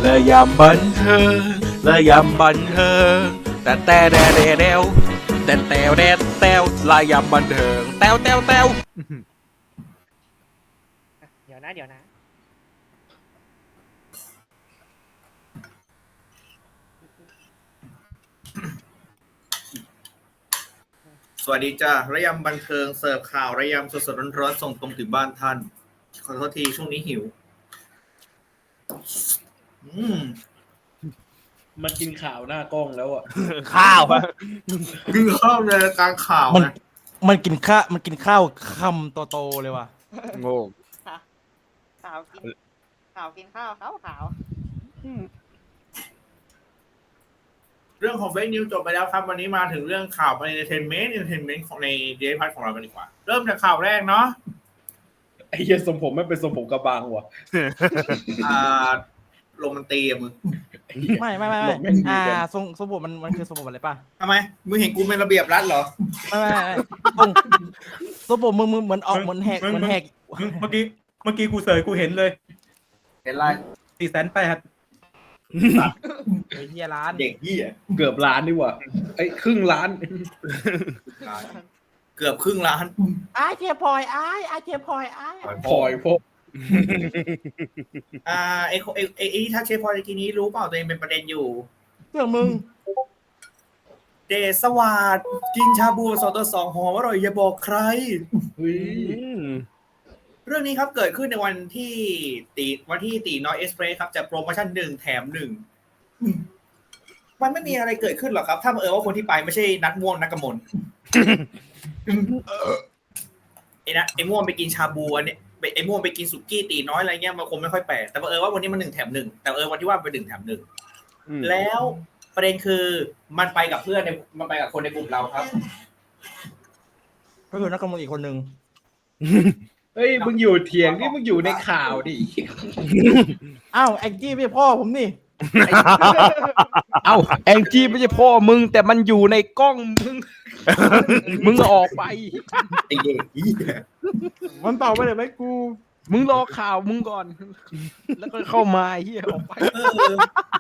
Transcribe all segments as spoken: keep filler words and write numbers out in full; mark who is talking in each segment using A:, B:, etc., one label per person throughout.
A: และยำบันเทิงและยำบันเทิงแต่แต่แดแดแดวแต่แตวแดแตวและยำบันเทิงแตวแตวแตว
B: เดี๋ยวนะเดี๋ยวนะ
C: สวัสดีจ้าระยำบันเทิงเสิร์ฟข่าวระยำสดๆร้อนๆส่งตรงถึงบ้านท่านขอโทษทีช่วงนี้หิวอืม
D: มันกินข่าวหน้ากล้องแล้วอ่ะ
A: ข้าวอะ
C: กินข้าวในรายการข่าว
E: มัน
C: นะ
E: มันกินข้ามันกินข้าวคำโตๆเลยว่ะ
A: โง่
B: ข่าวกินข่าวกินข้าวขาวขาว
C: เรื่องของเฟซนิวจบไปแล้วครับวันนี้มาถึงเรื่องข่าวในเอนเตอร์เทนเมนต์เอนเตอร์เทนเมนต์ของในเดลิพัทของเรากันดีกว่าเริ่มจากข่าวแรกเนาะ
D: ไอ้เหี้ยทรงผมไม่เป็นทรงผมกระบังว่ะ
C: อ่าโรแมนตีอะมึง
E: ไม่ไม่ไม่
D: หล
E: ไม่
D: บแม่งดี
E: อ่า
D: กัน
E: ทรงทรงผมมันมันคือทรงผมอะไรป่ะ
C: ทำไมมึงเห็นกูเป็นระเบียบรัฐเหรอ
E: ไม่ไม่ไม่ทรงทรงผมมึงมึงเหมือนออกเหมือนแหกเหมือนแหก
F: เมื่อกี้เมื่อกี้กูเสยกูเห็นเลย
C: เห็นไร
F: สี่แสนแปด
E: ไอ้เหี้ยร้าน
C: เด็กยี่อะ
D: เกือบล้านดีกว่าไอ้ครึ่งล้าน
C: เกือบครึ่งล้าน
E: อ้ายเทียพลอยอ้ายอ้ายเทียพลอยอ้าย
D: พลอยพวก
C: อ่าไอไอไอไอที่ทักเชฟพอตะกี้นี้รู้เปล่าตัวเองเป็นประเด็นอยู่
E: เรื่องมึง
C: เดชสวัสดกินชาบูสองต่อสองหอมอร่อยอย่าบอกใคร
D: เฮ้ย
C: เรื่องนี้ครับเกิดขึ้นในวันที่ตีวันที่ตีน้อยเอสเพรสครับจะโปรโมชั่นหนึ่งแถมหนึ่งมันไม่มีอะไรเกิดขึ้นหรอกครับ ถ้าเออว่าคนที่ไปไม่ใช่นัดม่วงนักกมลไอ้นะไอ้ม่วงไปกินชาบูอันนี้ไอ้ม่วงไปกินสุกี้ตีน้อยอะไรเงี้ยมันคงไม่ค่อยแปลกแต่เออว่าวันนี้มันหนึ่งแถมหนึ่งแต่เออวันที่ว่าเป็นหนึ่งแถมหนึ่งแล้วประเด็นคือมันไปกับเพื่อนในมันไปกับคนในกลุ่มเราครับ
E: ก็คือนักการเมืองอีกคนนึง
D: เฮ้ยมึงอยู่เถียงนี่มึงอยู่ในข่าวดิ
E: อ้าวแองจี้ไม่ใช่พ่อผมนี่
A: เอ้าแองจี้ไม่ใช่พ่อมึงแต่มันอยู่ในกล้องมึง มึงออกไป
C: ไอ้เด็กเหี้ย
E: มันตอบไปเลยไหมกู
A: มึงรอข่าวมึงก่อน แล้วก็เข้ามาไอ้เฮียออกไป
C: เออ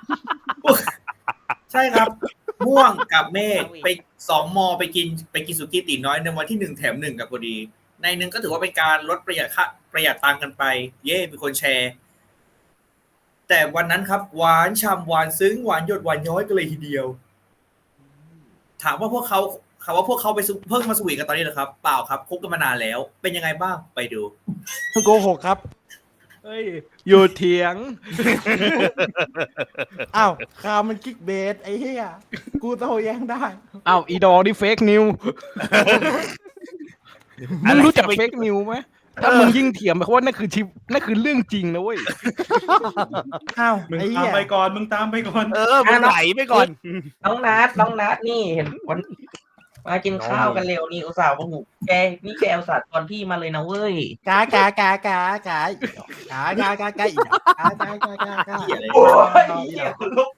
C: ใช่ครับ ม่วงกับเมฆไปสองมอไปกินไปกินสุกี้ตีน้อยในวันที่หนึ่งแถมหนึ่งกับพอดี ในหนึ่งก็ถือว่าเป็นการลดประหยัดค่าประหยัดตังค์กันไป เย่มีคนแชร์ แต่วันนั้นครับ หวานฉ่ำหวานซึ้งหวานหยดหวานย้อยกันเลยทีเดียว ถามว่าพวกเขาถามว่าพวกเขาไปซุเพิ่งมาสวีทกันตอนนี้เหรอครับ เปล่าครับคบกันมานานแล้ว เป็นยังไงบ้างไปดู
E: โกหกครับ
A: เฮ้ยอยู่เถียง
E: อ้าวข่าวมันกิ๊กเบสไอ้เหี้ยกูโตแย้งได้
A: เอ้าอีดอนี่เฟกนิวมึงรู้จักเฟกนิวไหมถ้ามึงยิ่งเถียงไปเพราะว่านั่นคือชีนั่นคือเรื่องจริงนะเว้ย
E: อ้าว
F: มึง
E: ไอ้
F: ตาม
E: เหี้ย
F: ไปก่อนมึงตามไปก่อน
A: เออมึงไหลไปก่อน
G: น้องนัดน้องนัดนี่เห็นวันมากินข้าวกันเร็วนี่อุตส่าห์ว่าหูแกนี่แกอุตส่าห์ตอนพี่มาเลยนะเว้ย
E: กากากากากากากากากาอีกกากากากากา
C: เหี้ยอะไร
G: โอ้ยเหี้ยคุณลูก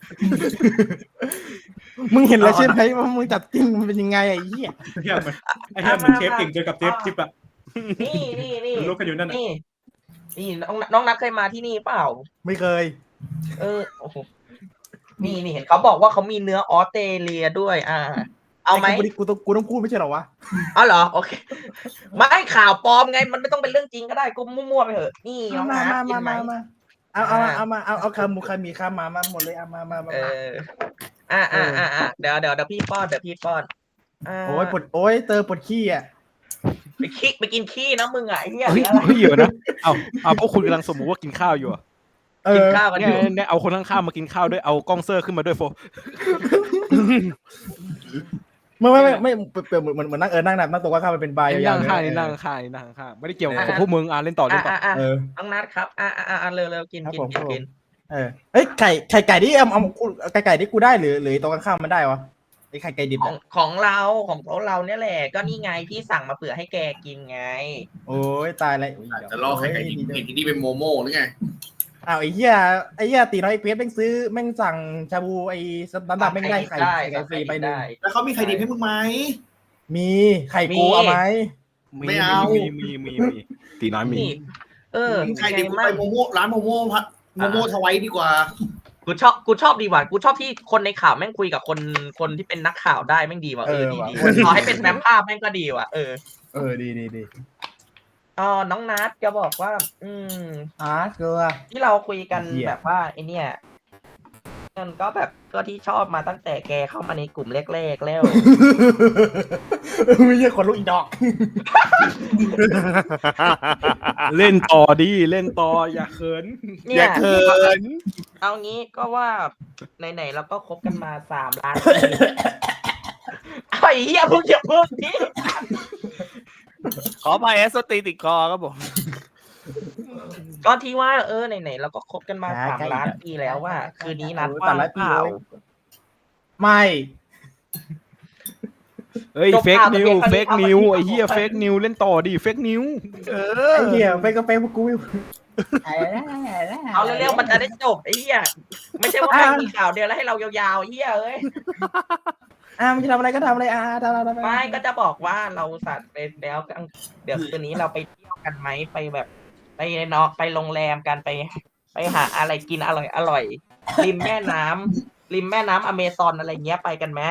E: มึงเห็นแล้วใช่ไหมว่ามึงจัดจริงมันเป็นยังไงไอ้เหี้ย
F: ไอ้เหี้ยมันไอ้เหี้ยมันเชฟเก่งเจอกับเชฟจิ๊บอะ
G: นี่นี่นี่
F: มันรู้กันอยู่นั่นน่ะ
G: นี่นี่น้องน้องนัดเคยมาที่นี่เปล่า
E: ไม่เคย
G: เออโอ้โหนี่นี่เห็นเขาบอกว่าเขามีเนื้อออสเตรเลียด้วย อ่า เอาไหม
E: กูต้องกูต้องพูดไม่ใช่เหรอวะ
G: เอาเหรอโอเคไม่ข่าวปลอมไงมันไม่ต้องเป็นเรื่องจริงก็ได้กูมั่วๆไปเถอะนี่น้อง
E: มา
G: นัด
E: มา
G: กิ
E: มาน
G: ไหม
E: มามาเอาเอาเอามาเอาเอาคำมุคามีคำมามาหมดเลยเอามามามา
G: เอออ่าอ่าอ่าอ่าเดี๋ยวเดี๋ยวเดี๋ยวพี่ป้อนเดี๋ยวพี่ป้อนอ่า
E: โอ้ยปวดโอ้ยเตอปวดขี้อ่ะ
G: ไปขี้ไปกินขี้นะมึงอ่ะไอ้เหี้ย
A: เฮ้ย
G: อะไร
A: เฮ้ยเดี๋ยวนะเอาเอาพวกคุณกำลังสมมติว่ากินข้าวอยู่อะ
E: เอ
G: กิน
E: อ
G: ข้าวกันอ
A: เนี่ย
G: ยู่
A: เนี่ยเอาคนข้างๆมากินข้าวด้วยเอากล้องเซอร์ขึ้นมาด้วยโฟ
E: ไม่ไม่ไม่ไม่เปลี่ยนเหมือนเหมือนเหมือนนั่งเออนั่งนั่งนั่งตัวข้างมันเป็นบาร์ยาว
A: นั่ง
E: ๆ
A: ข้างนี่นั่งข้างนี่นั่งข้างไม่ได้เกี่ยวกับพวกมึงอ่ะเล่นต่อเล่
G: อ่าน
A: ต่อ
G: อ่าอ่า
E: เออ
G: น้องนัดครับอ่าอ่าอ่าเร็วเร็วกิน
E: ครับ
G: กิน
E: ผม
G: กิ
E: ครั
G: น
E: บผม
G: กิน
E: เออเอ้ยไข่ไข่ไก่ที่เอาเอาไก่ไก่ที่กูได้หรือหรือตัวข้างๆมันได้วะไอ้ไข่ไก่ดิบ
G: ของของเราของเราเนี่ยแหละก็นี่ไงพี่สั่งมาเผื่อให้แกกินไง
E: โอ้ยตายแล้ว
C: จะล่อใครกันยิงเห็นที่นี่เป็นโมโม่หรือไง
E: อ้าวไอ้เหี้ยไอ้เหี้ยตีน้อยไอ้เพชรแม่งซื้อแม่งสั่งชาบูไอ้น้ำดำแม่งได้ไข่ไข่ฟรีไปหนึ่ง
C: แล้วเขามีใครดีให้มึงไหม
E: มีไข่กูเอาไหม
A: มี
C: ไม่เอา
A: มีมีมีมีตีน้อยมี
G: นี่เออ
C: ใคร
G: ไง
C: ดีกู
G: มั่
C: ไป
G: ง
C: โมโม่ร้านโมโม่พัดโมโมทวายดีกว่า
G: กูชอบกูชอบดีว่ะกูชอบที่คนในข่าวแม่งคุยกับคนคนที่เป็นนักข่าวได้แม่งดีว่ะเออดีดีขอให้เป็นแฟ้มภาพแม่งก็ดีว่ะเออ
E: เออดีดีดี
G: อ๋อน้องนัทจะบอกว่า อืม
E: อ่ะเกลือ
G: ที่เราคุยกัน
E: เหี้ย
G: แบบว่าไอเนี่ยมันก็แบบก็ที่ชอบมาตั้งแต่แกเข้ามาในกลุ่มแรกๆแล้ว
E: ไม่ใช่คนลูกอีดอก
A: เล่นต่อดีเล่นต่ออย่าเขิน
G: เนี่ย
A: อย่าเขิน
G: เอางี้ก็ว่าไหนๆเราก็คบกันมาสามล้านปีไอ้เหี้ยเพิ่งจะเพิ่งนี้
A: ขอไปแอสตีติดคอครับผม
G: ก็ที่ว่าเออไหนๆเราก็คบกันมาสามล้านปีแล้วว่า คืนนี้นัดว่างเปล่า
E: ไม่
A: เฮ้ย
G: จบ
A: เฟก
G: ข่าว
A: นิว
G: แต่เพียง
A: เฟก
G: เท่านี้
A: นิว
G: ครับ
A: ไอ้เหี้ยเฟกนิวเล่นต่อดิเฟกนิวเออ
E: ไอ้เหี้ยไปก็ไปพวกกู
G: เอาเร็วๆมันจะได้จบไอ้เหี้ยไม่ใช่ว่าแม่งมีข่าวเดียวแล้วให้เรายาวๆไอ้เหี้ยเอ้ย
E: อ่ะมึงจะทำอะไรก็ทำอะไรอ่ะทำอะไรทำอะไร
G: ไม่ก็จะบอกว่าเราสัตว์ไปแล้วกลางเดี๋ยวคืนนี้เราไปเที่ยวกันไหมไปแบบ ไปเนาะไปโรงแรมกันไป ไปหาอะไรกินอร่อยอร่อยริมแม่น้ำริมแม่น้ำอเมซอนอะไรเงี้ยไปกันไหม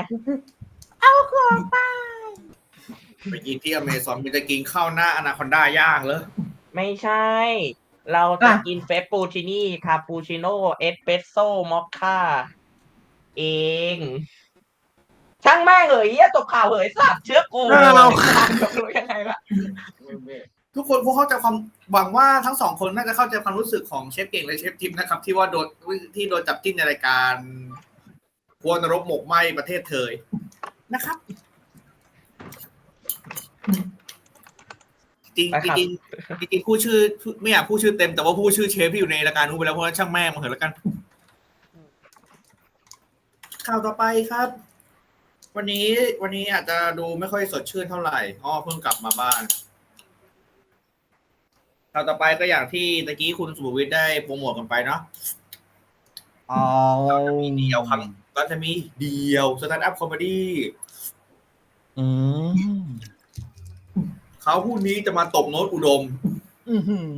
C: ไปกินที่อเมซอนมันจะกินข้าวหน้าอนาคอนด้าย่างเหรอ
G: ไม่ใช่ เราจะกินเฟปปูชินี่คาปูชิโน่เอสเปรสโซ่มอคค่าเอง ช่างแม่งเหยเหี้ยจบข่าวเหยสัตว์เชื้อกูรู้ยังไงล่ะ
C: ทุกคนคงเข้าใจความหวังว่าทั้งสองคนน่าจะเข้าใจความรู้สึกของเชฟเก่งและเชฟทิพย์นะครับ ที่ว่าโดนที่โดนจับจิ้นในรายการครัวนรกหมกไหมประเทศเธยนะครับ จริง
G: ไปครับ
C: จริงจริงๆผู้ชื่อไม่อยากพูดชื่อเต็มแต่ว่าผู้ชื่อเชฟที่อยู่ในรายการนู้นไปแล้วเพราะฉะนั้นช่างแม่งมาเถอะแล้วกันข่าวต่อไปครับ วันนี้วันนี้อาจจะดูไม่ค่อยสดชื่นเท่าไหร่อ้อเพิ่งกลับมาบ้านข่าวต่อไปก็อย่างที่ตะกี้คุณสุภวิทย์ได้โปรโมทกันไปเนาะ
E: อ๋อ
C: มีเดียวครับก็จะมีเดียวสแตนด์อัพคอมเมดี้
E: อืม
C: เขาผู้นี้จะมาตบโน้ตอุดม
E: อื้อหือ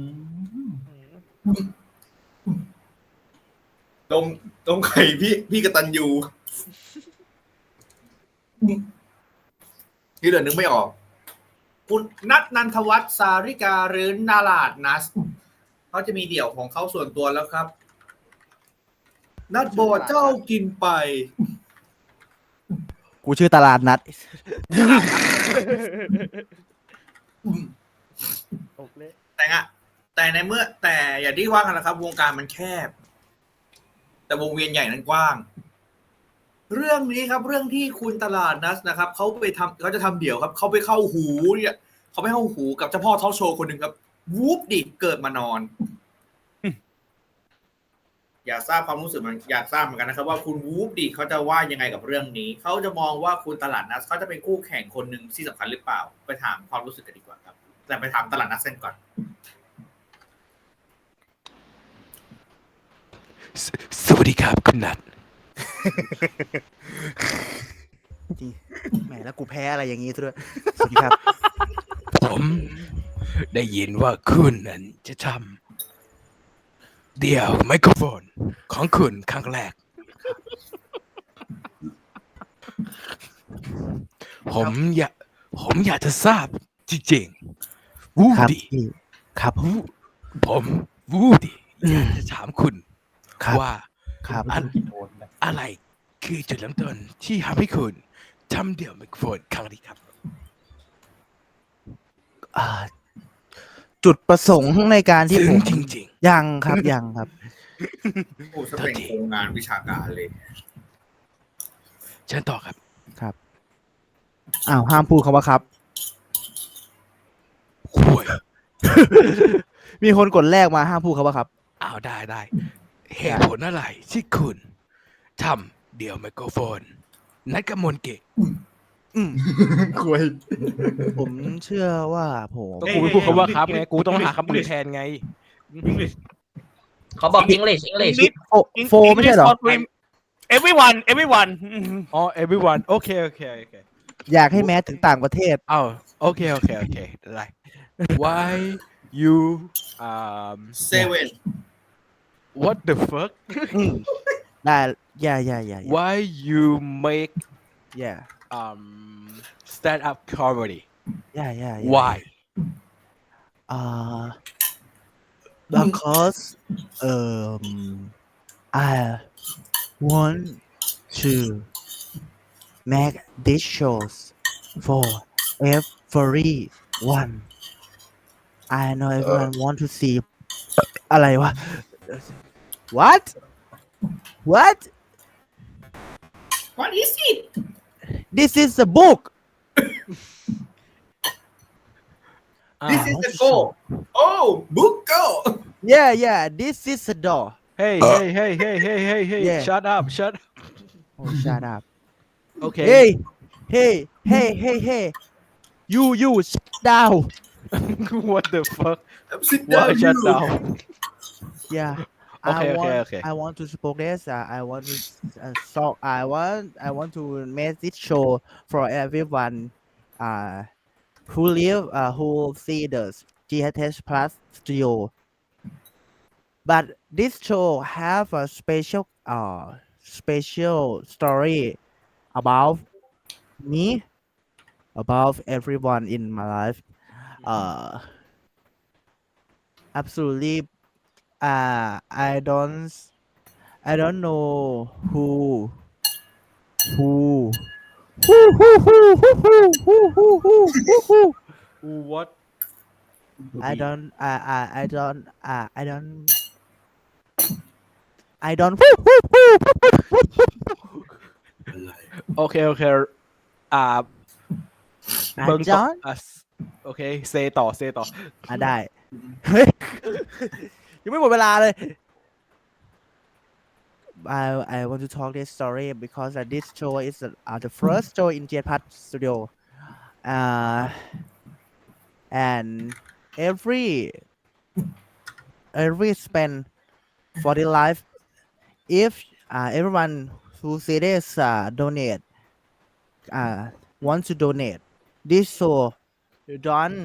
C: ตรงตรงไข่พี่พี่กตันยูที่เหลือนึกไม่ออก คุณนัทนันทวัฒน์สาริกาหรือนาลาดนัสเขาจะมีเดี่ยวของเขาส่วนตัวแล้วครับ นัดบอกเจ้ากินไป
E: กูชื่อตลาดนัด
C: แต่อะแต่ในเมื่อแต่อย่างที่ว่ากันนะครับ วงการมันแคบ แต่วงเวียนใหญ่นั้นกว้าง เรื่องนี้ครับ เรื่องที่คุณตลาดนัสนะครับเขาไปทำเขาจะทำเดี่ยวครับเขาไปเข้าหูเนี่ยเขาไปเข้าหูกับเจ้าพ่อทอล์กโชว์คนหนึ่งครับวูบดิเกิดมานอน อยากทราบความรู้สึกมันอยากทราบเหมือนกันนะครับ ว่าคุณวูบดิเขาจะว่ายังไงกับเรื่องนี้เขาจะมองว่าคุณตลาดนัสเขาจะเป็นคู่แข่งคนหนึ่งที่สำคัญหรือเปล่า ไปถามความรู้สึกกันดีกว่าครับแต่ไปถามตลาดนัสกันก่อน
A: สวัสดีครับคุณนัท
E: แหมแล้วกูแพ้อะไรอย่างงี้ซะด้วย สวัสดีครับ
A: ผมได้ยินว่าคุณนั้นจะทำเดี่ยวไมโครโฟนของคุณครั้งแรก ผมอยากผมอยากจะทราบจริงๆวู
E: ครับ
A: ดี
E: ครับ
A: วูผมวูดีอยากจะถามคุณ
E: ครับ
A: ว่า
E: ครับ
A: อะอะไรคือจุดเริ่มต้นที่ทำให้คุณทำเดี่ยวไมโครโฟนครั้งนี้ครับ
H: อ่าจุดประสงค์ในการที่
A: ซึ้
H: ผ
A: ง
H: ม
A: จริง
H: ยังครับยังครับ
C: โอ้ถ้าเป็นโครงงานวิชาการเลย
A: ๆเชิญต่อครับ
H: อ้าวห้ามพูดคำว่าครับ
A: ห่วย
H: มีคนกดแรกมาห้ามพูดคำว่าครับ
A: อ้าวได้ได้เหตุผลอะไรที่คุณทำเดี่ยวไมโครโฟน นัดกับมนเกะ
H: อืม
E: คุย
H: ผมเชื่อว่าผม
A: ก็กูไม่พูดคำว่าครับไงกูต้องหาคำอื่นแทนไง
F: English
G: เขาบอก English English
H: โฟโฟไม่ใช่เหรอ
A: everyone everyone อ๋อ everyone โอเคโอเคโอเค
H: อยากให้แม้ถึงต่างประเทศ
A: อ้าวโอเคโอเคโอเคได้ why you um
C: Seven
A: what the fuck
H: อืมได้ yeah yeah yeah yeah
A: why you make
H: yeah
A: um stand up comedy
H: yeah yeah yeah
A: why
H: uh because um I want to make these shows for everyone I know everyone want to see อะไรวะ what what
C: What is it
H: this is a book
C: This is the goal Oh book go
H: yeah yeah this is a door
A: hey hey hey hey hey hey hey
H: Yeah.
A: shut up shut up
H: oh shut up
A: okay
H: hey hey hey hey hey you you shut down
A: what the fuck
C: Sit
A: why
C: down
A: shut
C: you
A: down
H: yeah
A: Okay,
H: I
A: okay,
H: want,
A: okay.
H: I want to support this. Uh, I want to uh, so I want I want to make this show for everyone uh, who live uh, who see the G H H Plus studio. But this show have a special uh special story about me, about everyone in my life. Uh, absolutely. Uh, I don't I don't know who who who who who who who who who who who
A: what
H: I don't I I I don't uh, I don't I don't who who who
A: okay okay อ่า
H: I
A: เบิ้งต่อ
H: don't
A: อ่ะโอเคเซต่อเซต่อ
H: อ่ะได้เฮ้ยยังไม่หมดเวลาเลย I I want to talk this story because uh, this show is uh, uh, the first show in Jetpack Studio uh and every every spend for the life if uh, everyone who see this uh, donate uh, want to donate this show don't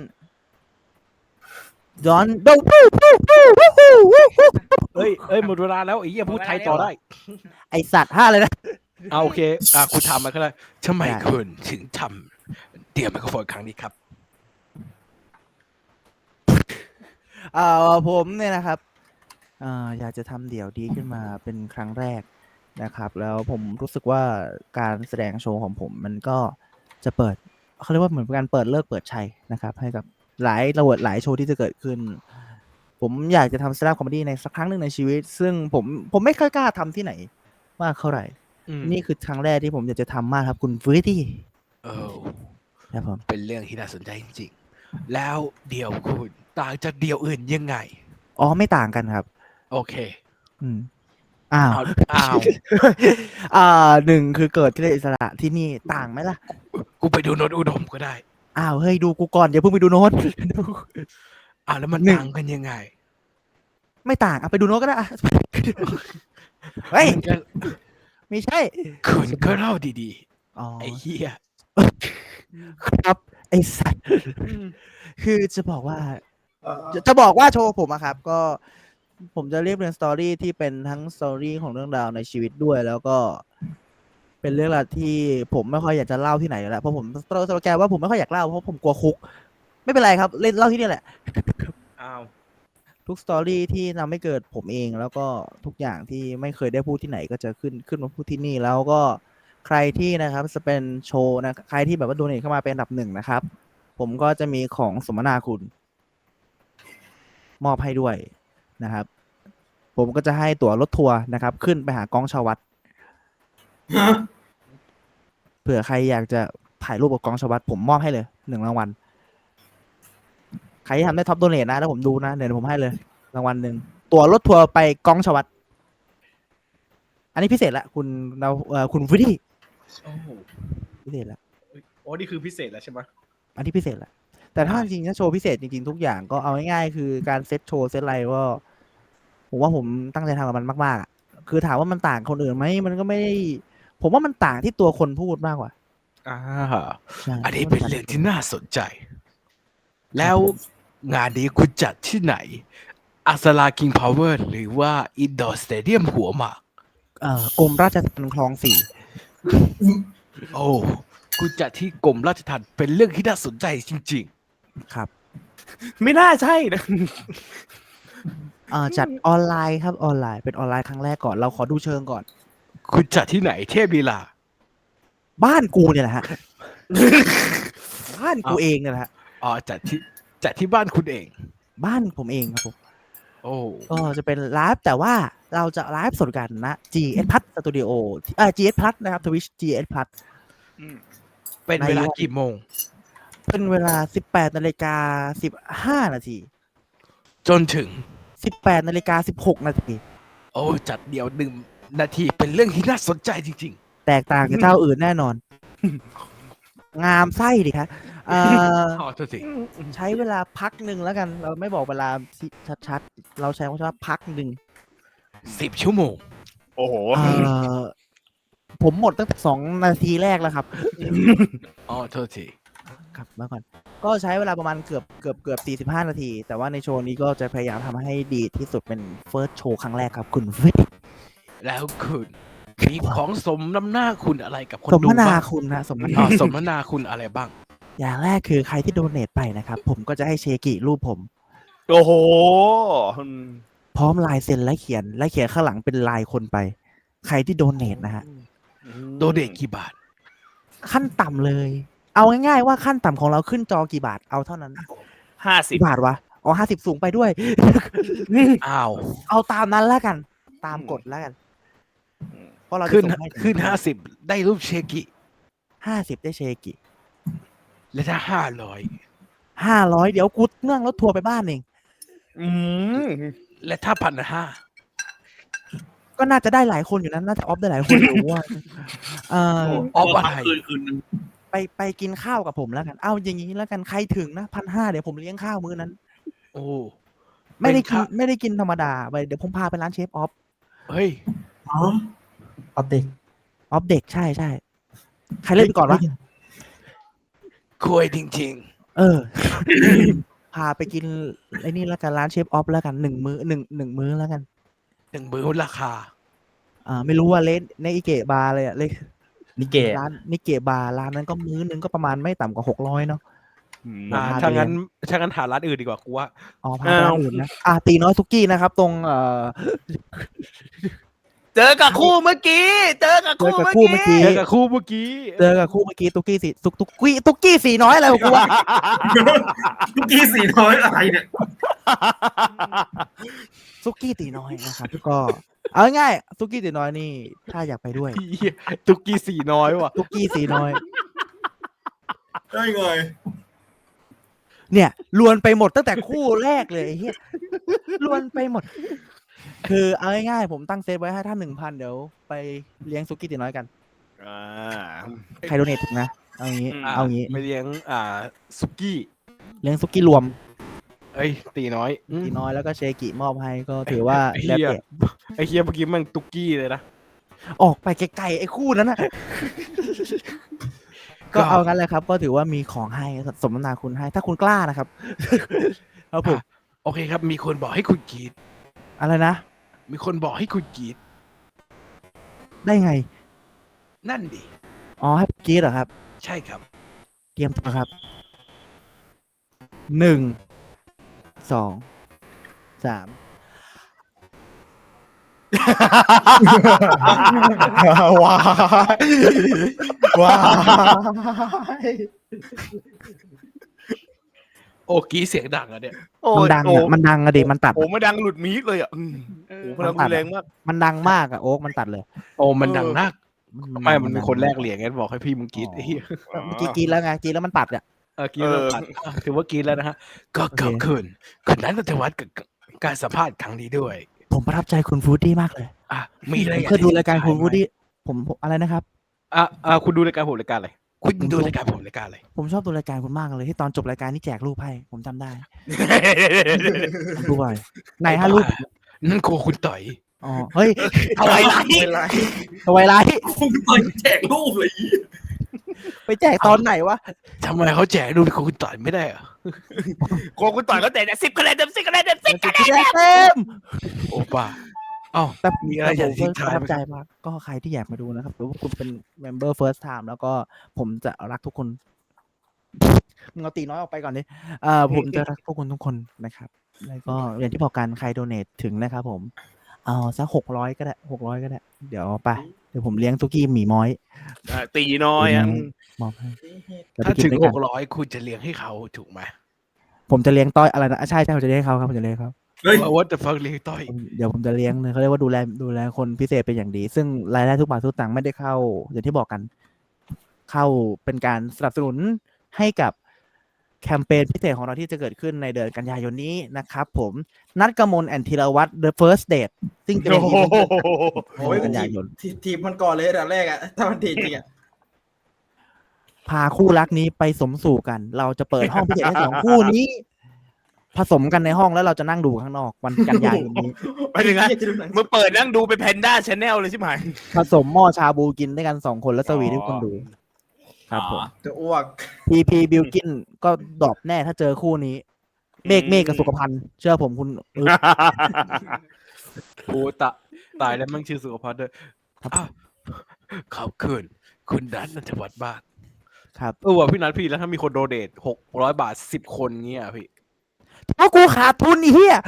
H: don't don't
A: เอ้ยเอ้ยหมดเวลาแล้วไอ้เหี้ยพูดไทยต่อได้
H: ไอสัตว์ห้าเลยนะ
A: อ่าโอเคอ่าคุณทำมาก็ได้ทำไม
H: ได้
A: คุณถึงทำเตรียมไมโครโฟนครั้งนี้ครับ
H: เอ่อผมเนี่ยนะครับเอ่ออยากจะทำเดี่ยวดีขึ้นมาเป็นครั้งแรกนะครับ แล้วผมรู้สึกว่าการแสดงโชว์ของผมมันก็จะเปิดเขาเรียกว่าเหมือนเป็นการเปิดเลิกเปิดชัยนะครับ ให้กับหลายระเบิดหลายโชว์ที่จะเกิดขึ้น ผมอยากจะทำสแตนด์อัพคอมเมดี้ในสักครั้งหนึ่งในชีวิต ซึ่งผมผมไม่ค่อยกล้าทำที่ไหนมากเท่าไหร่
A: อืม
H: นี่คือครั้งแรกที่ผมอยากจะทำมากครับคุณฟื้ดี้
A: เออ
H: ครับผม
A: เป็นเรื่องที่น่าสนใจจริงๆ แล้วเดี่ยวคุณต่างจากเดี่ยวอื่นยังไง
H: อ๋อไม่ต่างกันครับ
A: โอเค
H: อืมอ้าว
A: เอาอ้าว
H: อ่าหนึ่งคือเกิดที่อิสระที่นี่ต่างไหมล่ะ
A: กูไปดูโนตอุดมก็ได้
H: อ้าวเฮ้ยดูกูก่อนอย่าเพิ่งไปดูโน้ต
A: อ้าวแล้วมัน
H: หนึ่ง
A: ต่างกันยังไง
H: ไม่ต่างอ่ะไปดูโน้ตก็ได้อ่ะ เฮ้ย
A: มันก็
H: ไม่ใช่
A: คุณก็เล่าดี
H: อ๋อ
A: ๆ ไอ้เหี้ย
H: ครับไอสัตว์คือจะบอกว่า จะจะบอกว่าโชว์ผมอะครับ ก็ผมจะเรียบเรียงสตอรี่ที่เป็นทั้งสตอรี่ของเรื่องราวในชีวิตด้วย แล้วก็เป็นเรื่องราวที่ผมไม่ค่อยอยากจะเล่าที่ไหนแล้วเพราะผมสโลแกนว่าผมไม่ค่อยอยากเล่าเพราะผมกลัวคุก ไม่เป็นไรครับ เล่นเล่าที่นี่แหละ
D: อ้าว
H: ทุกสตอรี่ที่ทำให้เกิดผมเอง แล้วก็ทุกอย่างที่ไม่เคยได้พูดที่ไหนก็จะขึ้นขึ้นมาพูดที่นี่ แล้วก็ใครที่นะครับจะเป็นโชว์นะใครที่แบบว่าโดเนทเข้ามาเป็นอันดับหนึ่งนะครับ ผมก็จะมีของสมนาคุณ มอบให้ด้วยนะครับ ผมก็จะให้ตั๋วรถทัวร์นะครับ ขึ้นไปหากองชาววัด เผื่อใครอยากจะถ่ายรูปกับกองชาววัดผมมอบให้เลยหนึ่งรางวัล ใครที่ทำได้ท็อปโดเนทนะแล้วผมดูนะเดี๋ยวผมให้เลยรางวัลหนึ่งตั๋วรถทัวร์ไปกองชาววัด อันนี้พิเศษละคุณเราเอ่อคุณวิดี้
D: โอ้โห
H: พิเศษละ
D: โอ้นี่คือพิเศษแล้วใช่ไหม
H: อันนี้พิเศษละแต่ถ้าจริงๆถ้าโชว์พิเศษจริงๆทุกอย่างก็เอาง่ายๆคือการเซตโชว์เซตอะไรก็ผมว่าผมตั้งใจทำกับมันมากๆอ่ะคือถามว่ามันต่างคนอื่นไหมมันก็ไม่ได้ผมว่ามันต่างที่ตัวคนพูดมากกว่า
A: อ่า
H: ใช่
A: อันนี้เป็นเรื่องที่น่าสนใจ แล้วงานนี้คุณจัดที่ไหนอัศราคิงพาวเวอร์หรือว่าอินดอร์สเตเดียมหัวหมาก
H: เอ่อกรมราชทัณฑ์คลองสี่
A: โอ้กูจัดที่กรมราชทัณฑ์เป็นเรื่องที่น่าสนใจจริง
H: ครับ
A: ไม่น่าใช่นะ
H: เอ่อจัดออนไลน์ครับออนไลน์เป็นออนไลน์ครั้งแรกก่อนเราขอดูเชิงก่อน
A: คุณจัดที่ไหนเทพลีลา
H: บ้านกูเนี่ยแหละฮะ บ้านกูเองเนี่ยแหละฮะ
A: อ๋อจัดที่จัดที่บ้านคุณเอง
H: บ้านผมเองครับผม
A: โอ้
H: ก็จะเป็นไลฟ์แต่ว่าเราจะไลฟ์สดกันนะ จี เอส Plus Studio เอ่อ จี เอส Plus นะครับ Twitch จี เอส Plus
A: เป็นเวลากี่โมง
H: เป็นเวลา สิบแปดนาฬิกาสิบห้านาที
A: จนถึง
H: สิบแปดนาฬิกาสิบหกนาที
A: โอ้จัดเดียวหนึ่งนาทีเป็นเรื่องที่น่าสนใจจริง
H: แตกต่างจากเจ้าอื่นแน่นอน งามไส้ดิครับเอ่อ
A: ๆอ๋อโทษที
H: ใช้เวลาพักหนึ่งแล้วกัน เราไม่บอกเวลาชัดๆ เราใช้คำว่าพักหนึ่ง
A: สิบชั่วโมง
D: โอ้โห
H: เอ่อผมหมดตั้งแต่สองนาทีแรกแล้วครับ
A: อ๋อโทษที
H: ครับมาก่อน ก็ใช้เวลาประมาณเกือบเกือบเกือบสี่สิบห้านาที แต่ว่าในโชว์นี้ก็จะพยายามทำให้ดีที่สุดเป็นเฟิร์สโชว์ครั้งแรกครับ คุณฟิต
A: แล้วคุณมีของสมน้ำหน้าคุณอะไรกับคน
H: สม
A: ดู
H: นา
A: บ้าง
H: คุณนะสม
A: อ๋
H: นา
A: อสมนาคุณอะไรบ้าง
H: อย่างแรกคือใครที่โดเนทไปนะครับ ผมก็จะให้เชกิรูปผม
D: โอ้โห
H: พร้อมลายเซ็นและเขียน และเขียนข้างหลังเป็นลายคนไป ใครที่โดเนทนะฮะ
A: โดเดกี่บาท
H: ขั้นต่ำเลย เอาง่ายๆว่าขั้นต่ำของเราขึ้นจอกี่บาท เอาเท่านั้น
D: ห้าสิบ
H: กี่บาทวะ อ๋อห้าสิบสูงไปด้วย
A: อ้าว
H: เอาตามนั้นแล้วกัน ตามกฎแล้วกัน เพราะเราจะ
A: ขึ้น
H: ส่งให้ถึง
A: ขึ้นห้าสิบได้รูปเชกิ
H: ห้าสิบได้เชกิ
A: และถ้าห้าร้อย
H: ห้าร้อยเดี๋ยวกูเนื่องรถทัวร์ไปบ้านเอง
D: อืม
A: และถ้าพันห้า
H: ก็น่าจะได้หลายคนอยู่นั้นน่าจะออฟได้หลายคนอยู่ว่าเออ
A: ออฟอะไร
C: คืนคืนนึง
H: ไปไปกินข้าวกับผมแล้วกัน เอาอย่างนี้แล้วกันใครถึงนะพันห้าเดี๋ยวผมเลี้ยงข้าวมื้อนั้น
A: โอ้
H: ไม่ได้กิน
A: เป็นข้าว
H: ไม่ได้กินธรรมดาไปเดี๋ยวผมพาไปร้านเชฟออฟ
A: เฮ้ย
E: ออฟเด็ก
H: ออฟเด็กใช่ใช่ใครเล่นไปก่อนวะ
A: คุยจริง
H: เออ พาไปกินไอ้นี่แล้วกันร้านเชฟออฟแล้วกันหนึ่งมื้อหนึ่งหนึ่งมื้อแล้วกัน
A: ๆหนึ่งมื้อราคา
H: อ่าไม่รู้ว่าเลนในอิเกะบาร์เลยอะเลย
E: นิเกะ
H: ร้านนิเกะบาร์ร้านนั้นก็มื้อนึงก็ประมาณไม่ต่ำกว่าหกร้อยเนาะ
A: อ่า
H: พาไป
A: ถ้างั้น
H: เลี้ย
A: ถ้างั้นหาร้านอื่นดีกว่ากูว่า
H: อ๋อพาไปร้านอื่นนะอ่าตีน้อยซุกี้นะครับ ตรงเอ่อ
A: เจอกับคู่เมื่อกี้ เจอกับ
H: เจอกับคู่เมื่อกี้
A: เจอกับคู่เมื่อกี้
H: เจอกับคู่เมื่อกี้ตุกกี้สีตุกตุกกี้ตุกกี้สีน้อยอะไรของกูวะ
C: ทุกทีสี่น้อยอะไรเนี่ย
H: ซุกี้ตีน้อยนะครับ ก็เอาง่ายๆซุกี้ตีน้อยนี่ ถ้าอยากไปด้วย
A: เหี้ยตุกกี้สีน้อยว่ะ
H: ซุกี้สีน้อย
C: ได้ไง
H: เนี่ยลวนไปหมดตั้งแต่คู่แรกเลยไอ้เหี้ยลวนไปหมด คือเอาง่ายๆผมตั้งเซตไว้ให้ท่านหนึ่งพันเดี๋ยวไปเลี้ยงซุกี้ตีน้อยกัน
D: อ่า
H: ใครโดเนทถูกนะ เอางี้
D: อืม
H: เอางี้
A: ไปเลี้ยงอ่าสุกี้
H: เลี้ยงซุกี้รวม
A: เอ้ย ตีน้อยอืม
H: ตีน้อยแล้วก็เชกิมอบให้ก็ถือว่า
A: ไอ้
H: แล้ว
A: เหี้ย
H: แต่
A: ไอ้เฮียเมื่อกี้มันตุกกี้เลยนะ
H: ออกไปไกลๆไอ้คู่นั้นนะ ก็เอางั้นเลยครับ ก็ถือว่ามีของให้สมนาคุณให้ ถ้าคุณกล้านะครับ ครับผม
A: โอเคครับ มีคนบอกให้คุณกรีด
H: อะไรนะ
A: มีคนบอกให้คุณกรีด
H: ได้ไง
A: นั่นดิ
H: อ๋อให้กรีดเหรอครับ
A: ใช่ครับ
H: เตรียมตัวครับ หนึ่ง สอง สาม
D: ว้ายว้าย
A: โอ้กรีดเสียงดังอะเนี่ย
D: โอ้
H: มัน
D: ย
H: ดัง
D: โอ้
H: อะมันดังอะเด็มันตัด
D: โอ้ไม่ดังหลุดมีดเลยอ่ะอืมโอ้พลังรุนแรงมาก
H: มันดังมากอะโอ๊กมันตัดเลย
A: โอ้มันดังนัก
H: ดัง
A: ไม่มันเป็นคนแรก
H: ดัง
A: เหรียญงั้นบอกให้พี่มึงกรีดไอ้เหี้ย
H: เมื่อกี้กรีดแล้วไงกรีดแล้วมันตัดอะ
A: เออกรีดแล้วตัดอ่ะถือว่ากรีดแล้วนะฮะ ก็เกิดขึ้นคนนั้นจะวัดกับการสัมภาษณ์ครั้งนี้ด้วย
H: ผมประทับใจคุณฟูดดี้มากเลย
A: อ่ะมีอะไร
H: ผม
A: อยาก
H: เคยดูรายการคุณ
A: ไหม
H: ฟูดดี้ผมผมอะไรนะครับ
A: อ่ะอ่ะคุณดูรายการผมรายการอะไรคุณดูรายการผมรายการอะไร
H: ผมชอบดูรายการคุณมากเลยที่ตอนจบรายการนี่แจกรูปให้ผมจำได้ผมดูบ่อยไหนฮะรูป
A: นั่นโคคุณต่อย
H: อ๋อเฮ้ย
A: ทวายไลท์
H: ทวายไลท์
C: คุณเปิดแจกรูปเลย
H: ไปแจกตอนไหนวะ
A: ทำไมเขาแจกดูดิคุณต่อยไม่ได้เหรอ
I: โกคุณต่อยก็แต่สิบคะแนนเต็มสิบคะแนนเต็มสิบ
H: สุดที่ได้เต็ม
A: โอป้าเอ้า
H: แต่
A: มีอะไรอยากทิ้ง
H: ป
A: ท้าย
H: ระทับ
A: ไหม
H: ใจมากก็ใครที่อยากมาดูนะครับหรือว่าคุณเป็น member first time แล้วก็ผมจะรักทุกคนมึงเอาตีน้อยออกไปก่อนดิเอ่อผมจะรักพวกคุณทุกคนนะครับ แล้วก็อย่างที่บอกกันใครโดเนทถึงนะครับผม เอาสักหกร้อยก็ได้หกร้อยก็ได้ เดี๋ยวไป เดี๋ยวผมเลี้ยงตุกี้หมีม้อย
I: อ่าตีน้อยอ่ะ
H: มอบให้แล้วไป
A: ถ้า
H: กิน
A: ถึง
H: ด้วย
A: ห
H: กัน
A: กร้อยคุณจะเลี้ยงให้เขาถูกไหม
H: ผมจะเลี้ยงต้อยอะไรนะอ่ะใช่ใช่ผมจะเลี้ยงให้เขาครับผมจะเลี้ยงให้เขา
C: เฮ้ย
A: ว่าจะฟังเลี้ยงต้อย
H: ผมเดี๋ยวผมจะเลี้ยงเลยเขาเรียกว่าดูแลดูแลคนพิเศษเป็นอย่างดี ซึ่งรายได้ทุกบาททุกสตางค์ไม่ได้เข้า อย่างที่บอกกัน เข้าเป็นการสนับสนุนให้กับแคมเปญพิเศษของเราที่จะเกิดขึ้นในเดือนกันยายนนี้นะครับผมนัดกมลแอนธีรวัตร The First Date ซึ่งจะเป็นอีเวนต์
D: โอ้ย
H: กันยายน
D: ทีทีมมันก่อนเลยอันดับแรกอะถ้ามันดีจริงอะ
H: พาคู่รักนี้ไปสมสู่กัน เราจะเปิดห้องพิเศษให้สองคู่นี้ ผสมกันในห้องแล้วเราจะนั่งดูข้างนอกวันกันยายนนี้
I: ไปถึงนะมึงเปิดนั่งดูเป็นแพนด้าชาแนลเลยใช่ไหม
H: ผสมหม้อชาบูกินด้วยกันสองคนแล้วสวีทให้คนดู ครับผม
D: จะอ้วก
H: พีพีบิลกินก็ดรอปแน่ถ้าเจอคู่นี้ เมฆเมฆกับสุขภัณฑ์เชื่อผมคุณเออ
A: โอ้ตะตายแล้วมั่งชื่อสุขภัณฑ์ด้วยอ้าวขอบคุณคุณนัทนันทวัฒน์บ้าน
H: ครับ
A: เออว่ะพี่นัทพี่แล้วถ้ามีคนโดเนทหกร้อยบาทสิบคนเงี้ยพี่
H: เพราะกูขาดทุนไอีเหี้ย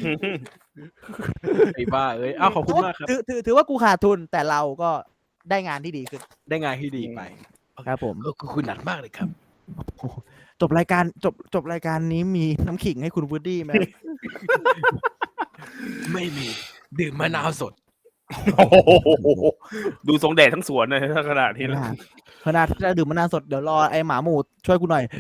A: ไอ้บ้าเอ้ยอ้าวขอบคุณมากครับ
H: ถือถือถือว่ากูขาดทุนแต่เราก็ได้งานที่ดีขึ้น
A: ได้งานที่ดีไป
H: ครับผม
A: ก็คือคุณนัทมากเลยครับ
H: โอ้โหจบรายการจบจบรายการนี้มีน้ำขิงให้คุณวูดดี้ไหม
A: ไม่มีดื่มมะนาวสด
I: โอ้โหดูทรงแดดทั้งสวนเลยถ้าขนาดนี้
H: ข
I: แล้ว
H: นาดขนาดถ้าจะดื่มมะนาวสดเดี๋ยวรอไอ้หมาหมูช่วยกูหน่อย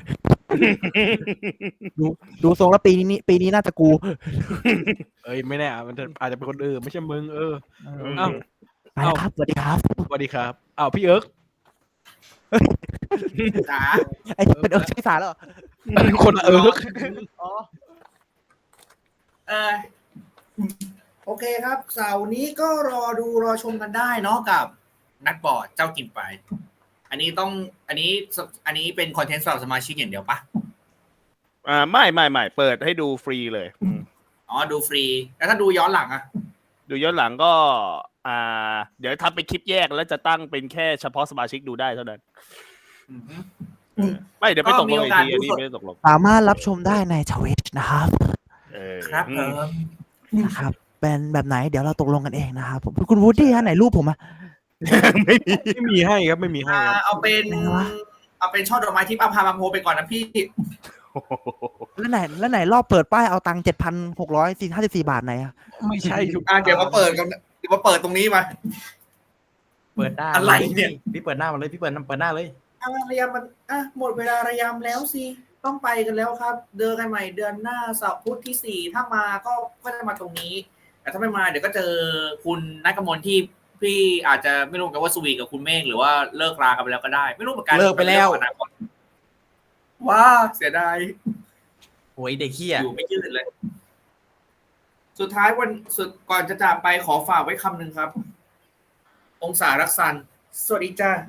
H: ดูดูทรงแล้วปีนี้ปีนี้น่าจะกู
A: เอ้ยไม่แน่อะมันจะอาจจะเป็นคนอื่นไม่ใช่มึงเออ
H: เอ้า
A: เอ้า
H: ไปแล้วครับสวัสดีครับ
A: สวัสดีครับอ้าวพี่เอิร์ก
C: จ๋า
H: ไอ้เป็นเอิร์กชื่อสารแล้วเหรอ
A: คนละเอิร์ก
H: อ๋อ
C: เออโอเคครับเสาร์นี้ก็รอดูรอชมกันได้เนาะกับนัดบอร์ดเจ้ากินไป อันนี้ต้องอันนี้อันนี้เป็นคอนเทนต์สำหรับสมาชิกอย่างเดียวปะ
I: อ่าไม่ไม่ไม่เปิดให้ดูฟรีเลยอืม
C: อ๋อดูฟรีแล้วถ้าดูย้อนหลังอะ
I: ดูย้อนหลังก็ อ่า เดี๋ยวทำเป็นคลิปแยกแล้วจะตั้งเป็นแค่เฉพาะสมาชิกดูได้เท่านั้น
C: อือฮึ
I: ไม่เดี๋ยวไปตกลง
C: ก็มีโอ
I: อีก
C: กาส
I: ทีอันนี้
C: ดูสด
I: ไม่ได้ตกลง
H: สามารถรับชมได้ในทวิตนะครับ
I: เออ
C: ครับ
I: อื
C: เอ
I: ม
C: อ
H: นะครับ เป็นแบบไหนเดี๋ยวเราตกลงกันเองนะครับผมคุณวูดดี้ฮะไหนรูปผมอะ
I: ไม่มี
A: ไม่มีให้ครับไม่มีให้
C: อ่า
A: ครับ
C: เอาเป็น
H: ไหนวะ
C: เอาเป็นช่อดอกไม้ทิพย์อาภาบางโพไปก่อนนะพี่
H: แล้วไหนแล้วไหนรอบเปิดป้ายเอาตังค์เจ็ดพันหกร้อยสี่ห้าสิบสี่บาทไหนอะ
A: ไม่ใช่ทุก
C: อ่าเดี๋ยวมาเปิดกันเดี๋ยวมาเปิดตรงนี้มา
D: เปิดหน้า
C: อะไรเนี่ย
D: พี่เปิดหน้ามาเลยพี่เปิดเปิดหน้าเลย
C: อ่ะระยำมันอ่ะหมดเวลาระยำแล้วสิต้องไปกันแล้วครับ เดินกันใหม่เดือนหน้าเสาร์พุธที่สี่ถ้ามาก็ก็จะมาตรงนี้ แต่ถ้าไม่มาเดี๋ยวก็เจอคุณนักกมลที่พี่อาจจะไม่รู้กันว่าสวีทกับคุณเมฆหรือว่าเลิกรากันไปแล้วก็ได้ ไม่รู้เหมือนกัน
D: เลิกไปแล้ว
C: อนาคตว้าเสียดาย
D: โอ้ยเด็กเหี้ย
C: อยู่ไม่ยืดเลย สุดท้ายวันสุดก่อนจะจากไปขอฝากไว้คำหนึ่งครับ องศารักษันสวัสดีจ้า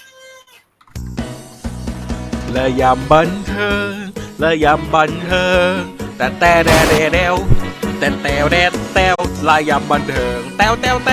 A: และยำบันเทิงและยำบันเทิงแต่แต่แดแดแดวแต่แต่แดแดวลายยำบันเทิงแต้วแต้วแต้ว